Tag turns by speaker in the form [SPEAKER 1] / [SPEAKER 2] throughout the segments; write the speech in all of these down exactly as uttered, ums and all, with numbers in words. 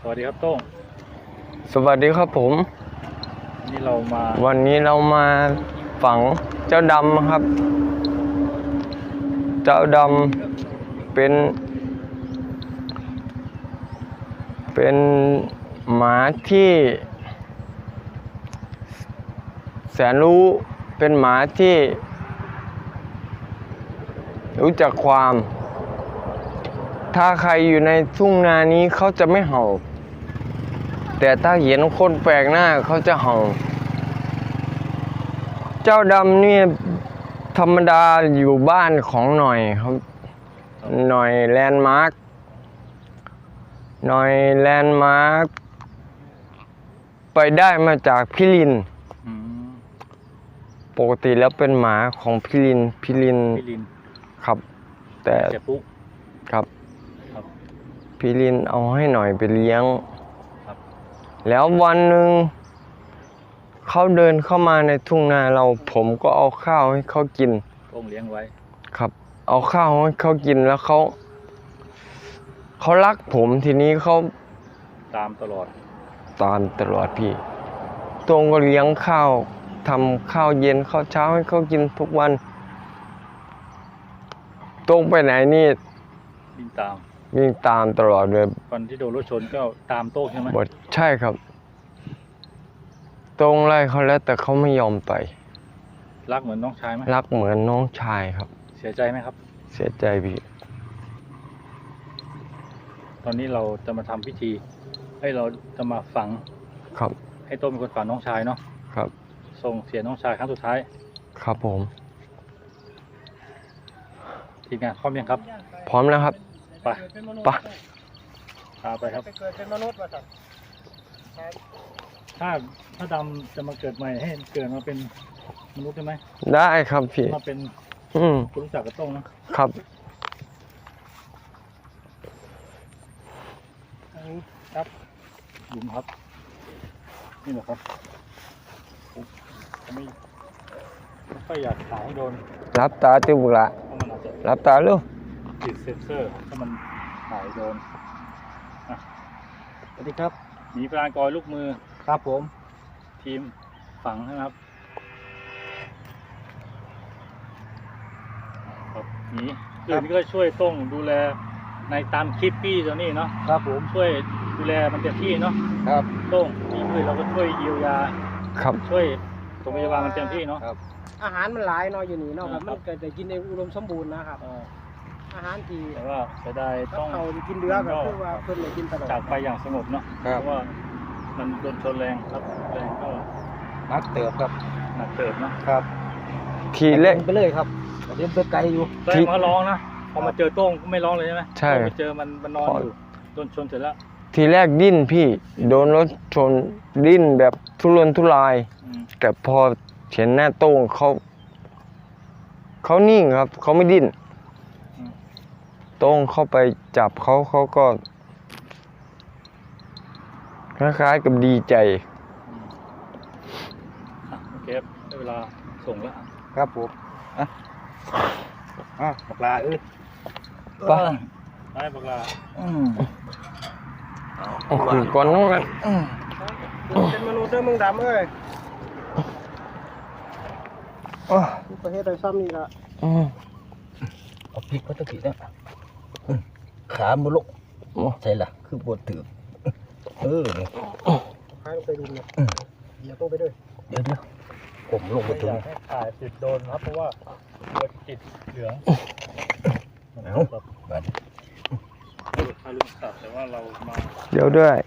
[SPEAKER 1] วัสดีครับโต้ง
[SPEAKER 2] สวัสดีครับผม
[SPEAKER 1] นี่เรามา
[SPEAKER 2] วันนี้เรามาฝังเจ้าดำครับ เจ้าดำเป็น เป็นหมาที่แสนรู้เป็นหมาที่รู้จักความ ถ้าใครอยู่ในทุ่งนานี้เขาจะไม่เห่าแต่ถ้าเห็นคนแปลกหน้าเขาจะเห่าเจ้าดำนี่ธรรมดาอยู่บ้านของหน่อยครับหน่อยแลนด์มาร์คหน่อยแลนด์มาร์คไปได้มาจากพี่ลินปกติแล้วเป็นหมาของพี่ลินพี่ลินครับแต่ครับพี่ลินเอาให้หน่อยไปเลี้ยงแล้ววันหนึ่งเขาเดินเข้ามาในทุ่งนาเราผมก็เอาข้าวให้เขากิน
[SPEAKER 1] ต้มเลี้ยงไว้
[SPEAKER 2] ครับเอาข้าวให้เขากินแล้วเขาเขารักผมทีนี้เขา
[SPEAKER 1] ตามตลอด
[SPEAKER 2] ตามตลอดพี่ตรงก็เลี้ยงข้าวทำข้าวเย็นข้าวเช้าให้เขากินทุกวันตรงไปไหนนี่
[SPEAKER 1] วิ่งตาม
[SPEAKER 2] วิ่งตามตลอดเลย
[SPEAKER 1] วันที่โดนรถชนก็ตามโต้งใช่ไหม
[SPEAKER 2] ใช่ครับตรงไล่เขาแล้วแต่เขาไม่ยอมไป
[SPEAKER 1] รักเหมือนน้องชายไหม
[SPEAKER 2] รักเหมือนน้องชายครับ
[SPEAKER 1] เสียใจไหมครับ
[SPEAKER 2] เสียใจพี่
[SPEAKER 1] ตอนนี้เราจะมาทำพิธีให้เราจะมาฝัง
[SPEAKER 2] ครับ
[SPEAKER 1] ให้โต้งเป็นคนฝังน้องชายเนาะ
[SPEAKER 2] ครับ
[SPEAKER 1] ส่งเสียน้องชายครั้งสุดท้าย
[SPEAKER 2] ครับผม
[SPEAKER 1] ทีมงานพร้อมยังครับ
[SPEAKER 2] พร้อมแล้วครับ
[SPEAKER 1] ไป
[SPEAKER 2] ไป
[SPEAKER 1] พาไปครับ
[SPEAKER 3] เกิดเป็นมนุษย์มาสัตว์
[SPEAKER 1] ถ้าถ้าดำจะมาเกิดใหม่ให้เกิดมาเป็นมนุษย์ได้ไหม
[SPEAKER 2] ได้ครับพี่
[SPEAKER 1] มาเป็น
[SPEAKER 2] อืม
[SPEAKER 1] คุณรู้จักกับโต้งนะครับอันนี้ครับหลุมครับนี่แหละครับผมไม่ไม่อยากถ่ายให้โดน
[SPEAKER 2] รับตาติบุระรับตาลูก
[SPEAKER 1] ติดเซ็นเซอร์ถ้ามันถ่ายโดน
[SPEAKER 3] สวัสดีครับ
[SPEAKER 1] หมีปลากอยลูกมือ
[SPEAKER 3] ครับผม
[SPEAKER 1] ทีมฝังนะครับครับหมีอื่นก็ช่วยต้องดูแลในตามคลิปพี่ตัวนี้เนาะ
[SPEAKER 3] ครับผม
[SPEAKER 1] ช่วยดูแลมันเต็มที่เนาะ
[SPEAKER 3] ครับ
[SPEAKER 1] ต้องมีอื่นเราก็ช่วยเยียวยา
[SPEAKER 2] ครับ
[SPEAKER 1] ช่วยโรงพยาบาลมันเต็มที่เนาะ
[SPEAKER 3] ครับอาหารมันหลายเนาะอยู่นี่เนาะครับมันเกิดแต่กินในอุดมสมบูรณ์นะครับอาหารที่
[SPEAKER 1] แต่ว่าจะได้ต้อง
[SPEAKER 3] เขากินเดือก็คือว่าเพิ่นเลยกินตลอด
[SPEAKER 1] จากไปอย่างสงบเนาะเพราะว่ามันโดนชนแรงครับแรงก็
[SPEAKER 3] หนักเติบครับ
[SPEAKER 1] หนักเติบ
[SPEAKER 3] นะครับ
[SPEAKER 2] ทีเล็ก
[SPEAKER 3] ไปเลยครับเดี๋ยวไปไกลอยู่
[SPEAKER 1] แต่มาร้องนะพอมาเจอโต้งก็ไม่ร้องเลยใช่ไหม
[SPEAKER 2] ใช่
[SPEAKER 1] ไปเจอมันมันนอนอยู่โดนชนเสร็จแล้ว
[SPEAKER 2] ทีแรกดิ้นพี่โดนรถชนดิ้นแบบทุรนทุรายแต่พอเห็นหน้าโต้งเขาเขานิ่งครับเขาไม่ดิ้นโต้งเข้าไปจับเขาเขาก็คล้ายๆกับดีใจ
[SPEAKER 1] โอเคได้เวลาส่งแล้ว
[SPEAKER 3] ครับผมอ่ะอ่ะบักลาเอ้ย
[SPEAKER 1] ไปไปบักลา
[SPEAKER 2] อืมโอ้โหก่อนน้องกัน
[SPEAKER 3] เป็นมนุษย์เด้อมึงดำเอ้ยอ๋อประเทศไทยซ้ำนี่ละ
[SPEAKER 2] อืม
[SPEAKER 3] เอาพริกก็ตะกี้นะขามุลุกใช่ล่ะคือปวดถือเออเนี่ยขาลงไปดูเนี่ยเดี๋ยวต้องไปด้วยเดี๋ยวเดี๋ยวผมลงไปถึง
[SPEAKER 1] ถ่ายติดโดนครับเพราะว่าตัวติดเหลือง
[SPEAKER 3] เอาแบบ
[SPEAKER 1] ทารุณสัตว์แต่ว่าเรามา
[SPEAKER 2] เดี๋ยวด้วย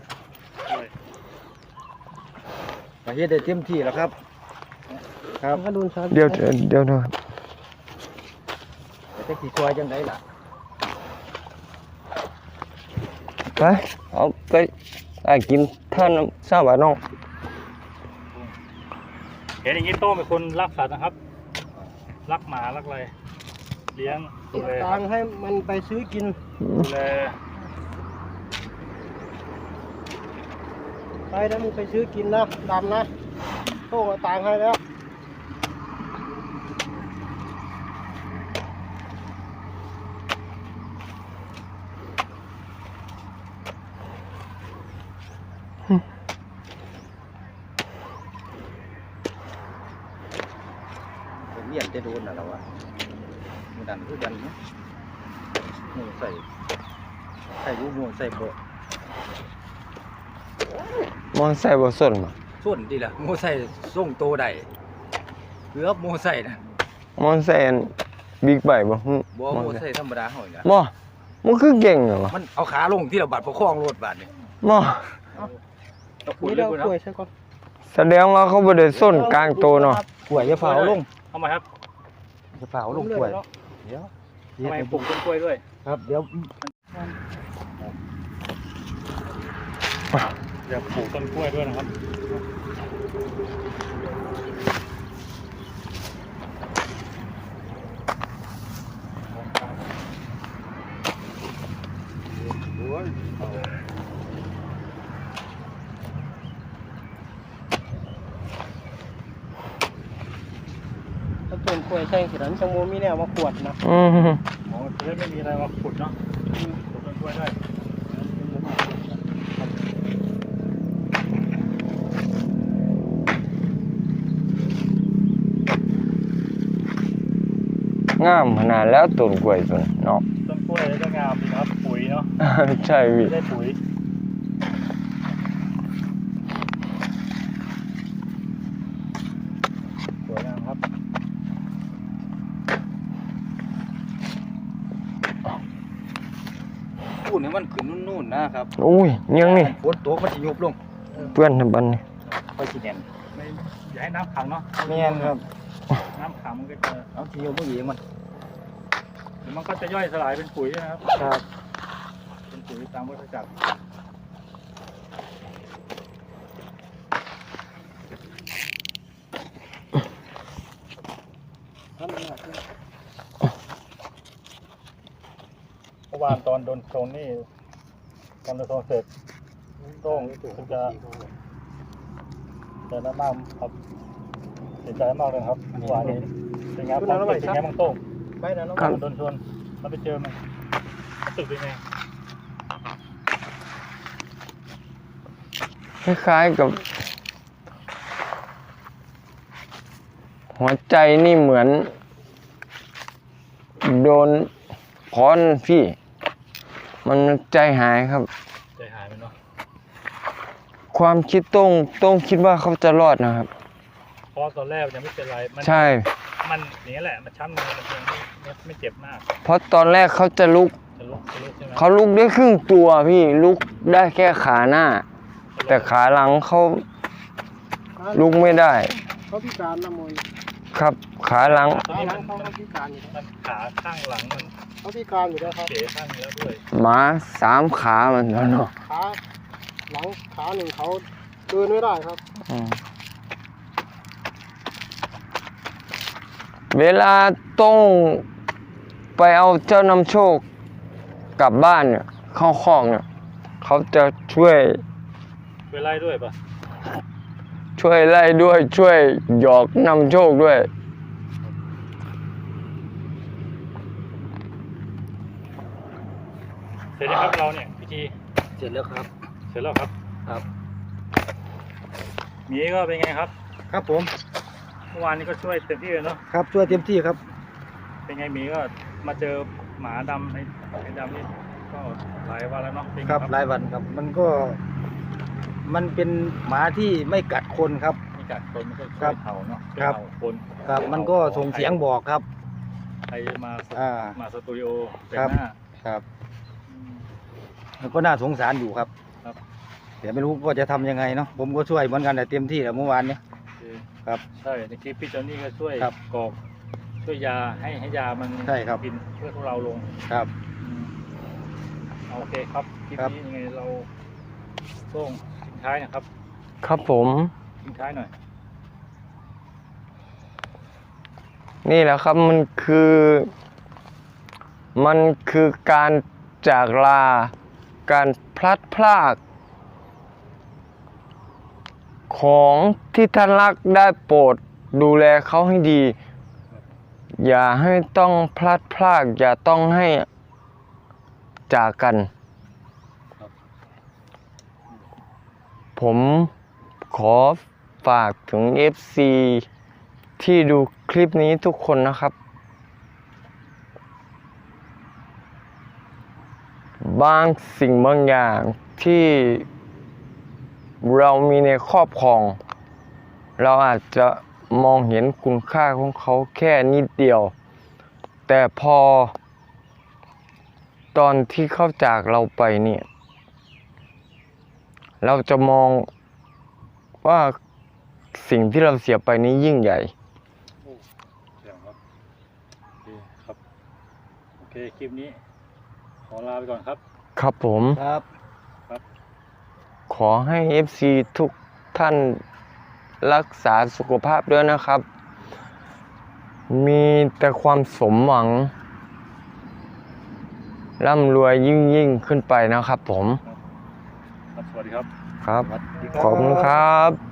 [SPEAKER 3] ประเทศได้เต็มที่แล้วครับครับ
[SPEAKER 2] เดี๋ยวเดี๋ยวด้วย
[SPEAKER 3] จะขี่ช่วยจังไงล่ะ
[SPEAKER 2] ไปเอาไปไอ้กินท่านทราบว่าน้อง
[SPEAKER 1] เห็นอย่างนี้โต้งเป็นคนรักสัตว์นะครับรักหมารักอะไรเลี้ยงดูแล
[SPEAKER 3] ตังให้มันไปซื้อกิน
[SPEAKER 1] ดูแล
[SPEAKER 3] ไปนะมึงไปซื้อกินนะดำนะโต้งตังให้แล้วผมเรียนจะโดนอะไรวะมันดันคือกันเนาะหมูใส่ใส่รูหมูใส่โบ
[SPEAKER 2] มอนใส่บ่ส้นบ่
[SPEAKER 3] ส่วนดีล่ะหมูใส่ส่งโตได้เกือบหมูใส่นะ
[SPEAKER 2] มอนใส่อันบิ๊กไบค์บ่ฮึ
[SPEAKER 3] บ่หมูใส่ธรรมดาเฮานี่ล่ะ
[SPEAKER 2] บ่มันคือเก่งเหรอวะ
[SPEAKER 3] มันเอาขาลงที่เราบาดประคองรถบาดนี่
[SPEAKER 2] บ่
[SPEAKER 1] เอาขุดเลยคุณครับ
[SPEAKER 2] แสดงว่าเขาบ่ได้ส้นกลางโตเนาะ
[SPEAKER 3] กล้วยอย่าเผาลง
[SPEAKER 1] เอามาครับ
[SPEAKER 3] อย่าเผาลงกล้วยเดี๋ยว
[SPEAKER 1] ทำไมปลูกต้นกล้วยด้วย
[SPEAKER 3] ครับเดี๋ยว
[SPEAKER 1] เดี๋ยวปลูกต้นกล้วยด้วยนะครับ
[SPEAKER 4] ถ้าต้นกล้วยแท่งสินั้นจังโมมีแนวมาขวดนะ
[SPEAKER 2] อืม
[SPEAKER 1] อ๋อจะได้ไม่มีอะไรมาขุดเนาะปลูกต้นกล้วยด้วย
[SPEAKER 2] งามขนาดแล้วต้นกล้วยต้นเนาะ
[SPEAKER 1] ต้นกล้วยก็งามดีครับปุ๋ยเนาะ
[SPEAKER 2] ใช่พี่
[SPEAKER 1] ได้ปุ๋ยสวยงามครับ
[SPEAKER 3] พูดให้มันขึ้นนู่นๆนะครับ
[SPEAKER 2] อุ้ยยังนี่
[SPEAKER 3] ฝนตกมันสิยุบลง
[SPEAKER 2] เพื่อนทำบันนี่
[SPEAKER 3] ค่อยสิแน่น
[SPEAKER 1] ไม่อย่าให้น้ำขังเนาะ
[SPEAKER 3] แม่นครับ
[SPEAKER 1] น้ำขังมันก็จะ
[SPEAKER 3] เอาสิยุบบ่เองมัน
[SPEAKER 1] เดี๋ยวมันก็จะย่อยสลายเป็นปุ๋ยนะครับ
[SPEAKER 3] ครับ
[SPEAKER 1] เป็นปุ๋ยตามวัฏจักรเมื่อวานตอนโดนโซนนี่ตอนโดนโซนเสร็จโต้งคุณจะเดินมากครับเสียใจมากเลยครับเมื่อวานนี้เป็นไงความรู้สึกเป็นไงบ้างโต้ง
[SPEAKER 4] ไปนะน้อง
[SPEAKER 2] ครับ
[SPEAKER 1] โดนชนเราไปเจอมันรู้สึกเป็นไง
[SPEAKER 2] คล้ายๆกับ หัวใจนี่เหมือน โดนค้อนพี่ มันใจหายครับ
[SPEAKER 1] ใจหายไปเนาะ
[SPEAKER 2] ความคิดต้องต้องคิดว่าเขาจะรอดนะครับ
[SPEAKER 1] เพราะตอนแรกยังไม่เป็นไรมัน
[SPEAKER 2] ใช่
[SPEAKER 1] มันอย่างนี้แหละมันช้ำมือมันยังไม่ไม่ไม่เจ็บมาก
[SPEAKER 2] เพราะตอนแรกเขาจะลุก
[SPEAKER 1] จะลุกจะลุกใช่ไหม
[SPEAKER 2] เขาลุกได้ครึ่งตัวพี่ลุกได้แค่ขาหน้า แต่ขาหลังเขาลุกไม่ได้
[SPEAKER 4] เขาพิการนะมวย
[SPEAKER 2] ครับขาหลัง
[SPEAKER 1] ตอนนี้มัน
[SPEAKER 4] เขาเขาพิการอยู่
[SPEAKER 1] มันขาข้างหลังมัน
[SPEAKER 4] เขาพิการอยู่แล้วครับ
[SPEAKER 1] เป๋ข้างเนื้อด้วย
[SPEAKER 2] หมาสามขามันแล้วเนาะ
[SPEAKER 4] ขาหลังขาหนึ่งเขาเดินไม่ได้ครับ
[SPEAKER 2] อืมเวลาต้องไปเอาเจ้านำโชคกลับบ้านเนี่ยเข้าคอกเนี่ยเขาจะช่วย
[SPEAKER 1] ไปไล่ด้วยปะ
[SPEAKER 2] ช่วยไล่ด้วยช่วยหยอกนำโชคด้วย
[SPEAKER 1] เสร็จแล้วครับเราเนี่ยพิธี
[SPEAKER 3] เสร็จแล้วครับ
[SPEAKER 1] เสร็จแล้วครับ
[SPEAKER 3] ครับ
[SPEAKER 1] หมีก็เป็นไงครับ
[SPEAKER 3] ครับผม
[SPEAKER 1] เมื่อวานนี้ก็ช่วยเต็มที่เลยเนาะ
[SPEAKER 3] ครับช่วยเต็มที่ครับ
[SPEAKER 1] เป็นไงหมีก็มาเจอหมาดำไอ้ไอ้ดำนี่ก็หลายวันแล้วเนาะเป็นไง
[SPEAKER 3] ครับหลายวันครับ มันก็ มันเป็นหมาที่ไม่กัดคนครับ
[SPEAKER 1] มีกัดคนมันก็
[SPEAKER 3] ครั
[SPEAKER 1] ช่วย
[SPEAKER 3] บ
[SPEAKER 1] เห่าเนาะ
[SPEAKER 3] ครับ
[SPEAKER 1] ช่วยเห่าคน
[SPEAKER 3] ครับ มันก็ส่งเสียงบอกครับ
[SPEAKER 1] ใครมาส
[SPEAKER 3] อ่า
[SPEAKER 1] มาสตูดิโอแต่
[SPEAKER 3] ครับ
[SPEAKER 1] งหน้า
[SPEAKER 3] ครับ
[SPEAKER 1] อืม
[SPEAKER 3] แล้วก็น่าสงสารอยู่ครับ
[SPEAKER 1] ครับ
[SPEAKER 3] เดี๋ยวไม่รู้ว่าจะทำยังไงเนาะ ผมก็ช่วยเหมือนกันแต่เต็มที่แหล้วเมื่อวานนี้ ครับ
[SPEAKER 1] ใช่ในคลิปพี่จอนนี่ก็ช่วย
[SPEAKER 3] ครับ
[SPEAKER 1] กรอกช่วยยาให้ให้ยามัน
[SPEAKER 3] ใช่ครับ
[SPEAKER 1] กินเพื่อพวกเราลง
[SPEAKER 3] ครับ
[SPEAKER 1] อืมเอาโอเคครับคลิป
[SPEAKER 3] ครับ
[SPEAKER 1] นี้ยังไงเราส่งทิ้งท้ายนะครับ
[SPEAKER 2] ครับผม
[SPEAKER 1] ทิ้งท้ายหน่อย
[SPEAKER 2] นี่แหละครับมันคือ มันคือการจากลา การพลัดพราก ของที่ท่านรักได้โปรดดูแลเขาให้ดี อย่าให้ต้องพลัดพราก อย่าต้องให้จากกัน
[SPEAKER 1] ครับ
[SPEAKER 2] ผผมขอฝากถึง เอฟ ซี ที่ดูคลิปนี้ทุกคนนะครับ บางสิ่งบางอย่างที่เรามีในครอบครอง เราอาจจะมองเห็นคุณค่าของเขาแค่นิดเดียว แต่พอตอนที่เขาจากเราไปเนี่ยเราจะมองว่าสิ่งที่เราเสียไปนี้ยิ่งใหญ่
[SPEAKER 1] โอ้เจ๋งครับโอเคครับโอเคคลิปนี้ขอลาไปก่อนครับ
[SPEAKER 2] ครับผม
[SPEAKER 3] ครับ
[SPEAKER 2] ขอให้ เอฟ ซี ทุกท่านรักษาสุขภาพด้วยนะครับ มีแต่ความสมหวัง ร่ำรวยยิ่งยิ่งขึ้นไปนะครับผม
[SPEAKER 1] ครับสวัสดีครับ
[SPEAKER 2] ครับ
[SPEAKER 3] สวัสดีครับ
[SPEAKER 2] ขอบคุณครับ